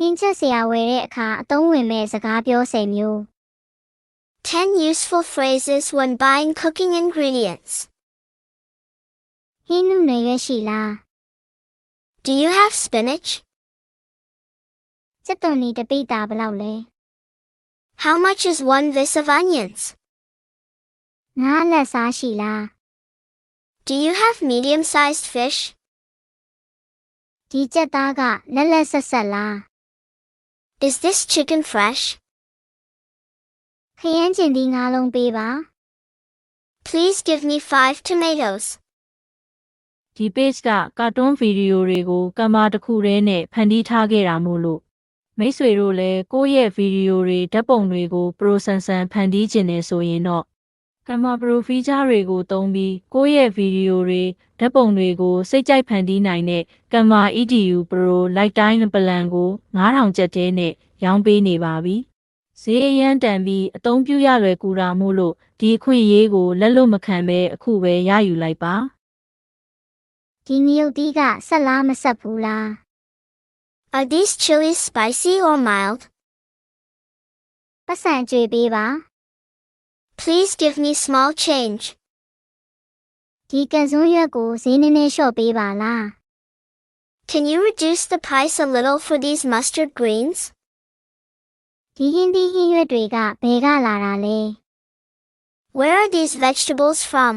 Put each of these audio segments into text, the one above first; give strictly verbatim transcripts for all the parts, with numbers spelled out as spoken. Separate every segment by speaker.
Speaker 1: င်းချက်စရာဝယ်တဲ့အခါအသုံးဝင်မဲ့စကားပြောစဲမျိုး
Speaker 2: ten useful phrases when buying cooking ingredients.
Speaker 1: ဟင်းနုနယ်ရွက်ရှိလား
Speaker 2: Do you have spinach?
Speaker 1: စက်သွန်နီတပိတာဘယ်လောက်လဲ
Speaker 2: How much is one vis of onions?
Speaker 1: ငါးအလက်စားရှိလား
Speaker 2: Do you have medium-sized fish?
Speaker 1: ဒီကြက်သားကလက်လက်ဆက်ဆက်လား
Speaker 2: Is this chicken fresh?
Speaker 1: ခရမ်းကျင်သီးငါးလုံးပေးပါ
Speaker 2: Please give me five tomatoes.
Speaker 3: ဒီ page ကကာတွန်းဗီဒီယိုတွေကိုကင်မရာတစ်ခုတည်းနဲ့ဖန်တီးထားခဲ့တာမို့လို့မိတ်ဆွေတို့လည်းကိုယ့်ရဲ့ဗီဒီယိုတွေဓာတ်ပုံတွေကို pro ဆန်ဆန်ဖန်တီးခြင်းနဲ့ဆိုရင်တော့ကင်မရာ pro feature တွေကိုသုံးပြီးကိုယ့်ရဲ့ဗီဒီယိုတွေဓာတ်ပုံတွေကိုစိတ်ကြိုက်ဖန်တီးနိုင်တဲ့ကင်မရာ E D U Pro Lifetime Plan ကိုငါးထောင်ကျပ်တဲနဲ့ရောင်းပေးနေပါပြီ။ဈေးအရန်တန်ပြီးအသုံးပြုရလွယ်ကူတာမို့လို့ဒီအခွင့်အရေးကိုလက်လွတ်မခံဘဲအခုပဲရယူလိုက်ပါ။
Speaker 1: ဒီမြုပ်သီးကဆက်လားမဆက်ဘူးလား
Speaker 2: Are these chilies spicy or mild?
Speaker 1: ပတ်စံကြွေပေးပါ
Speaker 2: Please give me small change.
Speaker 1: ဒီကံစွန်းရွက်ကိုဈေးနည်းနည်းလျှော့ပေးပါလား
Speaker 2: Can you reduce the price a little for these mustard greens?
Speaker 1: ဒီဟင်းသီးဟင်းရွက်တွေကဘယ်ကလာတာလဲ
Speaker 2: Where are these vegetables from?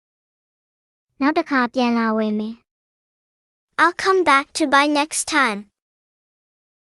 Speaker 1: နောက်တစ်ခါပြန်လာဝယ်မယ်
Speaker 2: I'll come back to buy next time.